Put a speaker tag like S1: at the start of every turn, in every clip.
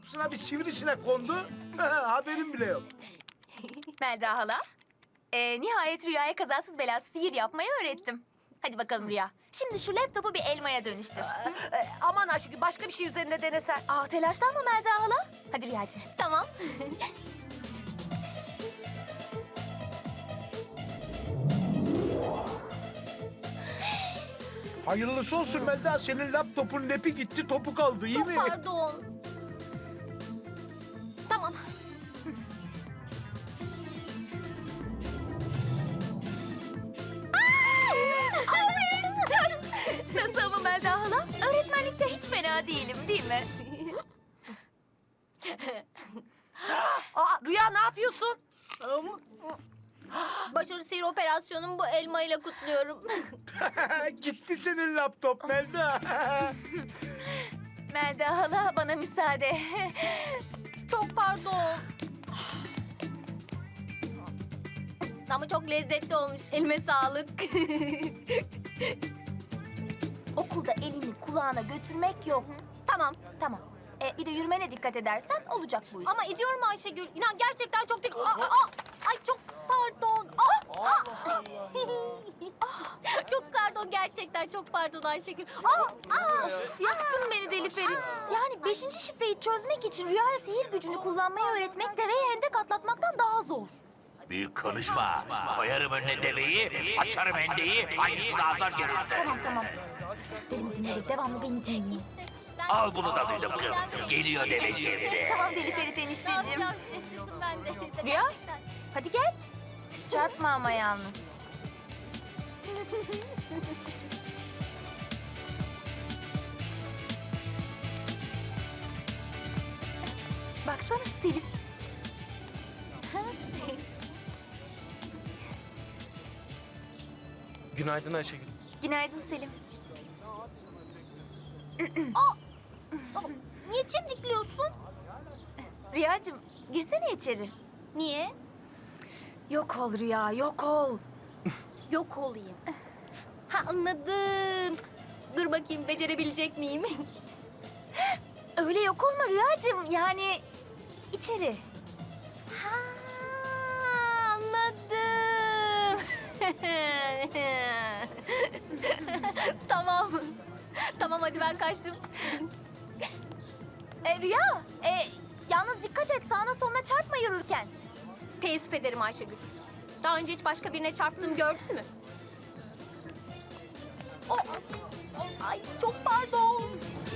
S1: kapısına bir sivrisinek kondu. Haberim bile yok.
S2: Melda hala. Nihayet Rüya'ya kazasız belasız sihir yapmayı öğrettim. Hadi bakalım Rüya. Şimdi şu laptopu bir elmaya dönüştür.
S3: Aman Ayşegül, başka bir şey üzerine denesen.
S2: Telaşlanma Melda hala. Hadi Rüyacığım. Tamam.
S1: Hayırlısı olsun Melda. Senin laptopun nepi gitti, topu kaldı. İyi mi?
S2: Pardon. Tamam. Nasıl ama Melda hala? Öğretmenlikte hiç fena değilim değil mi?
S3: Rüya ne yapıyorsun?
S2: Başarı sihir operasyonumu bu elmayla kutluyorum.
S1: Gitti senin laptop Melda.
S2: Melda hala bana müsaade. Çok pardon. Ama çok lezzetli olmuş. Elime sağlık. Okulda elini kulağına götürmek yok. Tamam, tamam. Bir de yürümene dikkat edersen olacak bu iş. Ama ediyorum Ayşegül. İnan gerçekten çok ay çok pardon. Çok pardon, gerçekten çok pardon Ayşegül. Of, yaktın beni deli Ferit. Yani 5. şifreyi çözmek için Rüya'ya sihir gücünü kullanmayı öğretmek deveye hendek atlatmaktan daha zor.
S4: Büyük konuşma. Koyarım önüne deveyi, açarım hendeyi, hangisi daha zor görürse.
S2: Tamam. Deli dinle, devamlı beni dinle.
S4: Al bunu da duydum kız. Geliyor deve geldi.
S2: Tamam Deli Ferit enişteciğim. Şaşırdım ben de. Rüya, hadi gel. Çarpma ama yalnız. Baksana Selim.
S5: Günaydın Ayşegül.
S2: Günaydın Selim. Niye çimdikliyorsun? Rüyacığım, girsene içeri. Niye? Yok ol Rüya, yok ol. Yok olayım. Ha anladım. Dur bakayım becerebilecek miyim? Öyle yok olma Rüyacığım, yani içeri. Ha anladım. Tamam. Tamam hadi ben kaçtım. Rüya, yalnız dikkat et sağına soluna çarpma yürürken. Teessüf ederim Ayşegül. Daha önce hiç başka birine çarptığımı gördün mü? Ay çok pardon.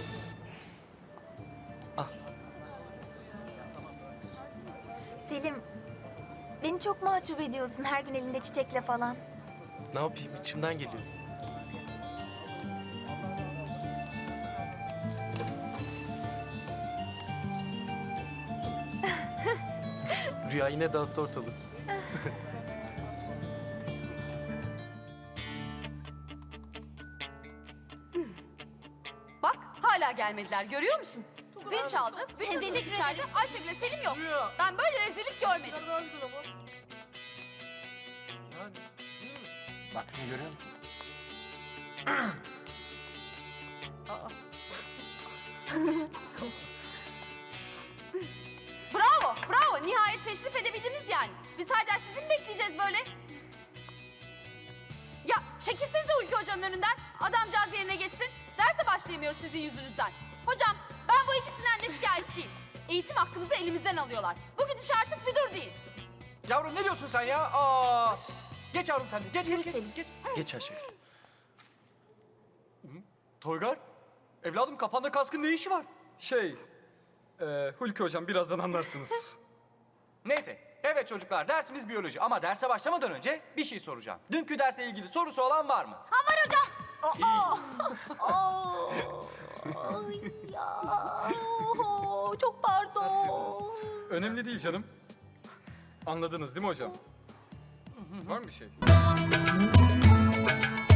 S2: Selim, beni çok mahcup ediyorsun her gün elinde çiçekle falan.
S5: Ne yapayım, içimden geliyor. Rüya yine dağıttı ortalığı.
S6: Bak hala gelmediler, görüyor musun? Zil çaldı, bütün sınıf içeride, Ayşegül'le Selim yok. Ben böyle rezillik görmedim.
S7: Bak şunu görüyor musun?
S6: Bravo, bravo. Nihayet teşrif edebildiniz yani. Biz her ders sizi mi bekleyeceğiz böyle? Ya çekilsenize Hulki Hoca'nın önünden. Adamcağız yerine geçsin. Derse başlayamıyoruz sizin yüzünüzden. Hocam ben bu ikisinden de şikayetçiyim. Eğitim hakkımızı elimizden alıyorlar. Bu gidiş artık bir dur değil.
S7: Yavrum ne diyorsun sen ya? Geç yavrum sen de. Geç.
S5: Geç Ayşegül.
S7: Toygar, evladım kafanda kaskın ne işi var?
S8: Hulki hocam birazdan anlarsınız.
S7: Neyse, evet çocuklar dersimiz biyoloji ama derse başlamadan önce bir şey soracağım. Dünkü derse ilgili sorusu olan var mı?
S2: Ay ya. Çok pardon.
S8: Önemli değil canım. Anladınız değil mi hocam? Var mı bir şey?